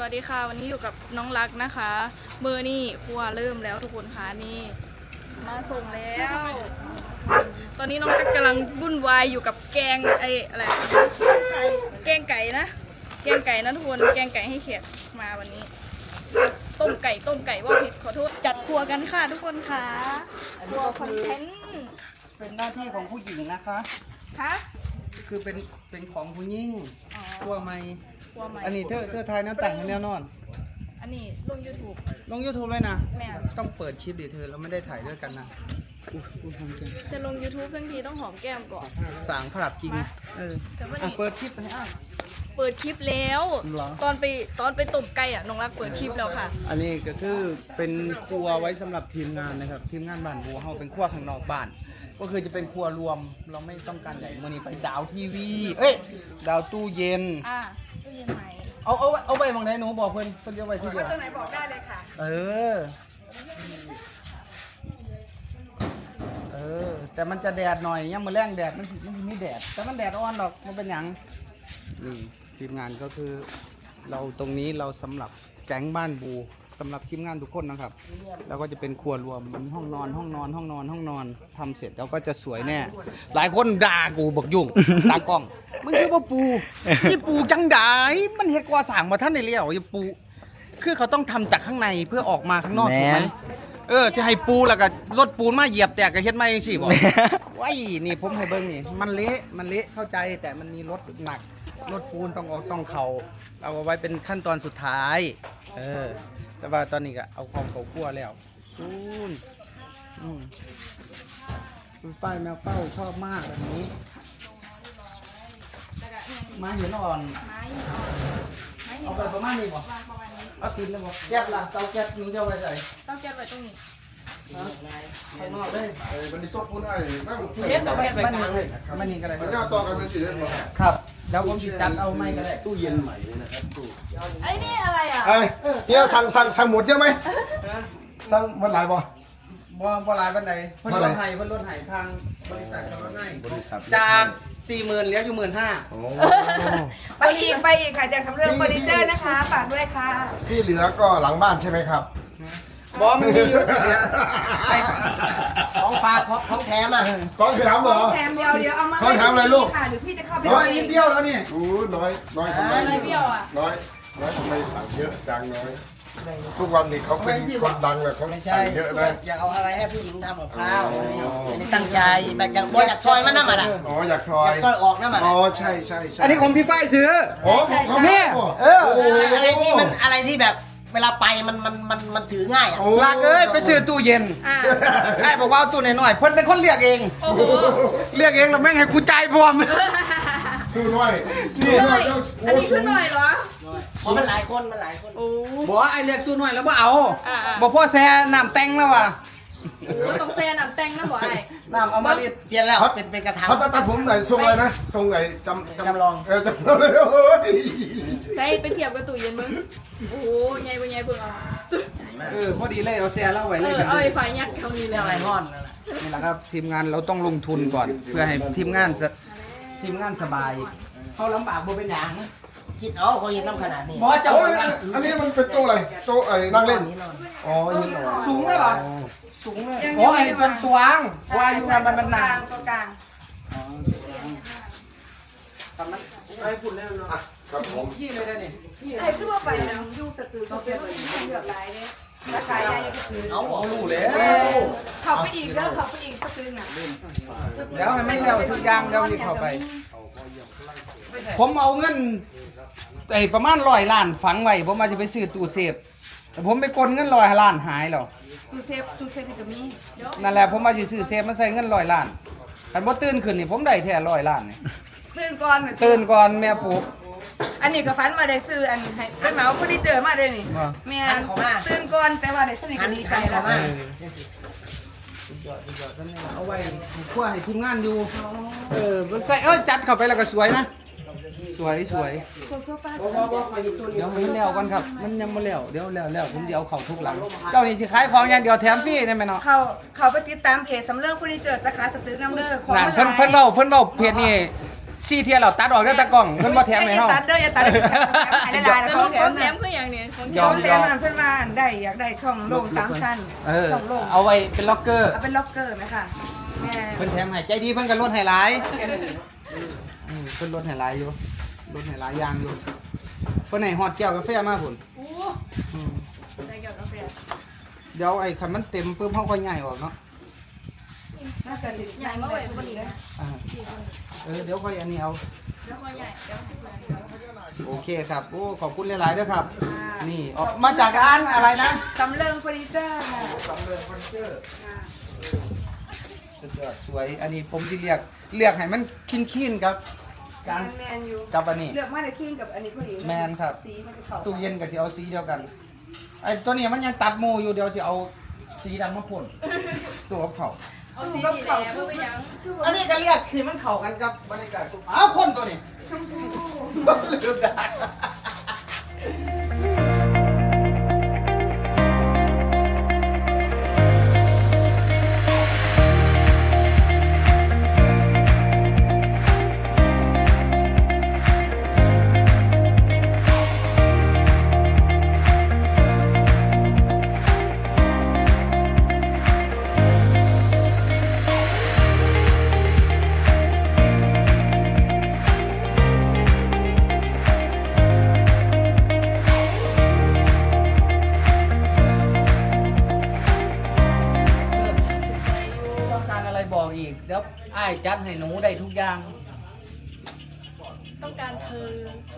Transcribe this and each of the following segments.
วัสดีค่ะวันนี้อยู่กับน้องรักนะคะเบอร์นี่ครัวเริ่มแล้วทุกคนค่ะนี่มาส่งแล้ว ตอนนี้น้องรักกำลังวุ่นวายอยู่กับแกงอะไรแกงไก่นะแกงไก่นะทุกคนแกงไก่ให้เขียดมาวันนี้ต้มไก่ว่าผิดขอโทษจัดครัวกันค่ะทุกคนค่ะครัวคอนเทนต์เป็นหน้าที่ของผู้หญิงนะคะคะคือเป็นของผู้หญิงอ๋อตัวไม่ครัวใหม่อันนี้เธอทายแนวแต่งให้แนวนอนอันนี้ลง YouTube ลง YouTube เลยนะแม่ต้องเปิดคลิปดิเธอเราไม่ได้ถ่ายด้วยกันนะอุ้ยหอมจังจะลง YouTube ทั้งทีต้องหอมแก้มก่อนสางผลับจริงแต่ว่าอ่ะนี่เปิดคลิปให้อ่ะเปิดคลิปแล้วเหรอตอนไปตบไก่อ่ะน้องรักเปิดคลิปแล้วค่ะอันนี้ก็คือเป็นครัวไว้สำหรับทีมงานนะครับทีมงานบ้านบัวเฮาเป็นครัวข้างนอกบ้าน ก็คือจะเป็นครัวรวมเราไม่ต้องการใหญ่มื่อนี้ไปดาวทีวีดาวตู้เย็นตู้เย็นใหม่เอาไปมองไหนหนูบอกเพิ่นจะเอาไว้ที่เดียวตรงไหนบอกได้เลยค่ะแต่มันจะแดดหน่อยยังมาแรงแดดมันไม่แดดแต่มันแดดอ่อนหรอกมันเป็นหยังนี่ทีมงานก็คือเราตรงนี้เราสำหรับแก๊งบ้านบูสำหรับทีมงานทุกคนนะครับแล้วก็จะเป็นครัวรวมมันห้องนอนทำเสร็จแล้วก็จะสวยแน่หลายคนด่ากูบอกยุ่ง ตากล้องมึงคือว่าปูนี่ปูจังไดมันเฮ็ดก่อสร้างมาท่านในเลี้ยวอย่าปูคือเขาต้องทำจากข้างในเพื่อออกมาข้างนอกถูกไหมจะให้ปูแล้วก็รถปูนมาเหยียบแตกก็เฮ็ดไม่สิบอกว้ายนี่ผมให้เบิ่งนี่มันเละเข้าใจแต่มันมีรถหนักรถปูนต้องออกต้องเขาเอาไว้เป็นขั้นตอนสุดท้ายแต่ว่าตอนนี้ก็เอาของเขาคั่วแล้วปูนฝ้ายแมวเป้าชอบมากแบบนี้ไม้หินอ่อนไม้อ่อนไม้หินเอาไปประมาณนี้บ่วางประมาณนี้เอากินเลยบ่แก๊สล่ะเตาแก๊สหนูจะเอาไว้ใส่ต้องแก้ไว้ตรงนี้ข้างนอกเลยมันนี่ตัวปูนไอ้บ้างเฮ็ดตัวแก้ไว้กลางเลยมันนี่ก็ได้มันน่าต่อกันเป็นสีได้หมดครับแล้วผมสิจัดเอาไม้ก็ได้ตู้เย็นใหม่เลยนะครับตู้ไอ้นี่อะไรอ่ะไอ้เนี่ยสั่งหมดเยอะไหมสั่งหมดหลายบ่บ่หลายปานใดเพิ่นลดให้ทางบริษัทเขาลดให้จาก 40,000เหลืออยู่ 15,000 โอ้ไปอีกค่ะจากสำเริงเฟอร์นิเจอร์นะคะฝากด้วยค่ะที่เหลือก็หลังบ้านใช่ไหมครับบ่มันมีอยู่ที่เหลือไปของฝากของแถมอ่ะก้อนคือทำเหรอแถมเดียวเอามาขอถามอะไรลูกค่ะหรือพี่จะเข้าไปน้อยนิดเดียวแล้วนี่โอ้น้อยทำไมอะไรเปรี้ยวอ่ะน้อยทำไมสั่งเยอะจังน้อยทุกวันนี้เขาเป็นคนดังเลยเขาไม่สั่ใช่งเยอะนะอยากเอาอะไรให้ผู้หญิงทำกับข้าวอันนี้ตั้งใจแบบอยากซอยมันน้ำมันอ่ะอ๋ออยากซออย ยากซอยออกน้ำมันอ๋อใช่อันนี้ของพี่ฝ้ายซื้ออ๋อของเขาเนี่ยอะไรที่แบบเวลาไปมันถือง่ายอ่ะลากเอ้ยไปซื้อตู้เย็น ไอ้บอกว่าเอาตู้น้อยๆเพิ่นเป็นคนเรียกเองโอ้โหเรียกเองแล้วแม่งให้กูจ่ายพร้อมตู้น้อยอันนี้ขึ้นหน่อยเหรอเพราะมันหลายคนโอ้บอกว่าไอ้เรียกตู้น้อยแล้วบ่เอาอ่าบอกพ่อแซ่น้ำแต่งแล้วว่ะโหต้องแซนน้ำแตงนะบ่ไอ้น้ำเอามารีดเปลี่ยนแล้วเป็นกระถางเขาตัดผมไหนทรงอะไรนะทรงไหนจำลอง จำลองเลยโอ้ยใช่ไปเทียบกับตู้เย็นมึงโอ้โหใหญ่บ่ใหญ่เบิ่งเอาพอดีเลยเอาแซ่แล้วไว้เลยเอาไอ้ไฟยัดเขานี่เลเรื่ยองอะไรห้อนนั่นแหละนี่แหละครับทีมงานเราต้องลงทุนก่อน เพื่อให้ทีมงานสบายเขาลำบากบ่เป็นหยังคิดเอาเขาเห็นน้ำขนาดนี้บอสจะโอ้ยอันนี้มันเป็นโต๊ะอะไรโต๊ะไอ้นั่งเล่น อ๋อยินเหรอสูงเลยเหรอสูงเลยโอ้ไอ้เป็นตวงว่าอยู่กันมันหนาตัวกลางไอ้ฝุ่นเลยเนาะครับผมขี้เลยนะนี่ไอ้ชื่อว่าไปนะยูสตือเขาเป็นเลือกหลายเลยราคายายก็คือเอาลูเลยเขาไปอีกแล้วเขาไปอีกสตืออ่ะเดี๋ยวให้ไม่เร็วทุกอย่างเดี๋ยวรีบเข้าไป ผมเอาเงินไอ้ประมาณ100 ล้านฝังไว้ผมมาจะไปซื้อตู้เซฟแต่ผมไปกดเงิน100 ล้านหายแล้วตูเซฟกับมีนั่นแหละผมมาจะซื้อเซฟมาใส่เงิน100 ล้านคันบ่ตื่นขึ้นนี่ผมได้แท้100 ล้านนี่ตื่นก่อนตื่นก่อนแม่ปลุกอันนี้ก็ฟันมาได้ซื้ออันให้เป็นเหมาคนที่เจอมาได้นี่แม่ตื่นก่อนแต่ว่าได้สนิทกันดีใจแล้วเอาไว้คั่วให้ทีมงานอยู่มันใส่จัดเข้าไปแล้วก็สวยนะ สวยโซฟาเดี๋ยวมันแล้วก่อนครับ มันยังบ่แล้วเดี๋ยวแล้วผมจะเอาเข้าทุกหลัง เจ้านี่สิขายของอย่างเดียวแถมฟรีได้ไหมเนาะเขาไปติดตามเพจสำเริงเฟอร์นิเจอร์สาขาสตึกน้ำเด้อของนั่นเพิ่นเว้าเพจนี่ 4 เที่ยเราตัดออกแล้วตะกล้องเพิ่นบ่แถมให้เฮาอย่าตัดเด้ออย่าตัดหายหลายๆแล้แล้ว วขเขาองแถแถมมเพื่ออย่างเนี้ยของแถยอมมแถมเพิ่นว่าได้อยากได้ช่องโล่ง3ชั้นเออช่องโล่งเอาไว้เป็นล็อกเกอร์เอาเป็นล็อกเกอร์ไหมค่ะแม่เพิ่นแถมให้ใจดีเพิ่นก็ลดให้หลายเพิ่นลดให้หลายอยู่ลดให้หลายอย่างอยู่เพิ่นให้ฮอดแก้วกาแฟมาพุ่นโอ้อืมได้เกี่ยวกับกาแฟเดี๋ยวไอ้คันมันเต็มปุ๊บเฮาค่อยย้ายออกเนาะน่าจะดีใหญ่มาไว้พอดีเลยอ่าเดี๋ยวค่อยอันนี้เอาแล้วก็ใหญ่เดี๋ยวให้เพื่อนโอเคครับโอ้ขอบคุณหลายๆด้วยครับ นี่ออกมาจากร้านอะไรนะสำเริงเฟอร์นิเจอร์ค่ะสำเริงเฟอร์นิเจอร์ค่ะสุดยอดสวย อันนี้ผมที่เรียกให้มันคินๆครับการแมนอยู่กับอันนี้เลือกมาได้คิงกับอันนี้พอดีแมนครับสีมันจะเข้าตู้เย็นกับสิเอาสีเดียวกัน ไอ้ตัวนี้มันยังตัดหมูอยู่เดี๋ยวสิเอาสีดำมาพ่นตัวกับเขาเอาสีดีแล้วเพื่อไปยังอันนี้ก็เรียกคือมันเข้ากันกับบรรยากาศอ้าวคนตัวนี้ลืมได้ ต้องการอะไรบอกอีกเดี๋ยวอ้ายจัดให้หนูได้ทุกอย่างต้องการเธอ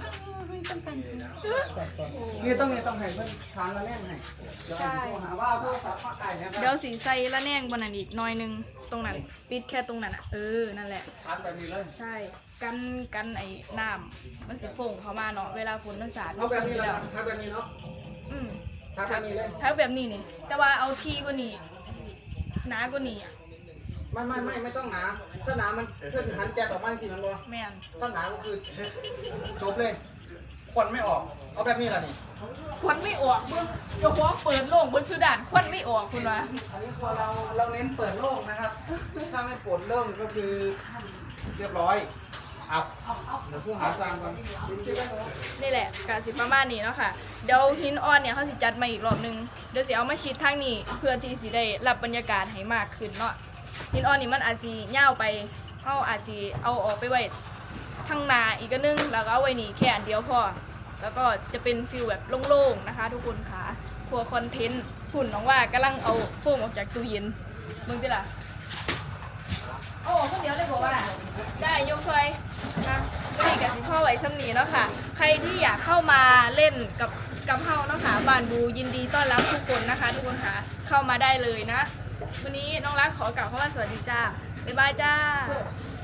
นี่ต้องให้เพื่อนทานละแน่นให้เดี๋ยวโทรหาว่าเอาโทรศัพท์มาไก่นะคเดี๋ยรัวบสีใส่ละแนงบนนั้นอีกหน้อยนึงตรงนั้นปิดแค่ตรงนั้นอ่ะนั่นแหละทานแบบนี้เลยใช่กันไอ้น้ำมันสิฟงเข้ามาเนาะเวลาฝนมันสาดเอาแบบนี้เลยครับทานแบบนี้เนาะอืมทานแบบนี้เลยถ้าแบบนี้นี่แต่ว่าเอาทีกว่านี้หนากว่านี้อ่ะไม่ต้องหนาถ้าหนามันเพื่อถึงหันแก๊สออกมาสิมันบ่แม่นถ้าหนาก็คือจบเลยควันไม่ออก เอาแบบนี้ล่ะนี่ควันไม่ออกเบิ่งเจ้าของเปิดโล่งบนสุดานควันไม่ออกคุณวะอันนี้พอเราเน้นเปิดโล่งนะครับ ถ้าไม่เปิดโล่งก็คือเรียบร้อยเอาเดี๋ยวผู้หาสร้างก่อนชิ้นๆนี่แหละกาสิประมาณนี้เนาะค่ะเดี๋ยวหินอ่อนเนี่ยเขาสิจัดมาอีกรอบนึงเดี๋ยวสิเอามาชิดทางนี้เพื่อที่สิได้รับบรรยากาศให้มากขึ้นเนาะหินอ่อนนี่มันอาจสิยาวไปเอาอาจสิเอาออกไปไว้ทางหนาอีกก็นึงแล้วก็เอาไว้นี่แค่อันเดียวพอแล้วก็จะเป็นฟิลแบบโล่งๆนะคะ ทุกคนค่ะครัวคอนเทนต์หุ่นน้องว่ากำลังเอาโฟมออกจากตู้เย็นมึงดิล่ะโอ้คนเดียวเลยบอกว่าได้ยกช่วยนะนี่กับสิพ่อไว้ซ้ำนี้เนาะค่ะใครที่อยากเข้ามาเล่นกับเฮาเนาะค่ะบ้านบูยินดีต้อนรับทุกคนนะคะ ทุกคนค่ะเข้ามาได้เลยนะวันนี้น้องรักขอกล่าวคำว่าสวัสดีจ้าบ๊ายบายจ้า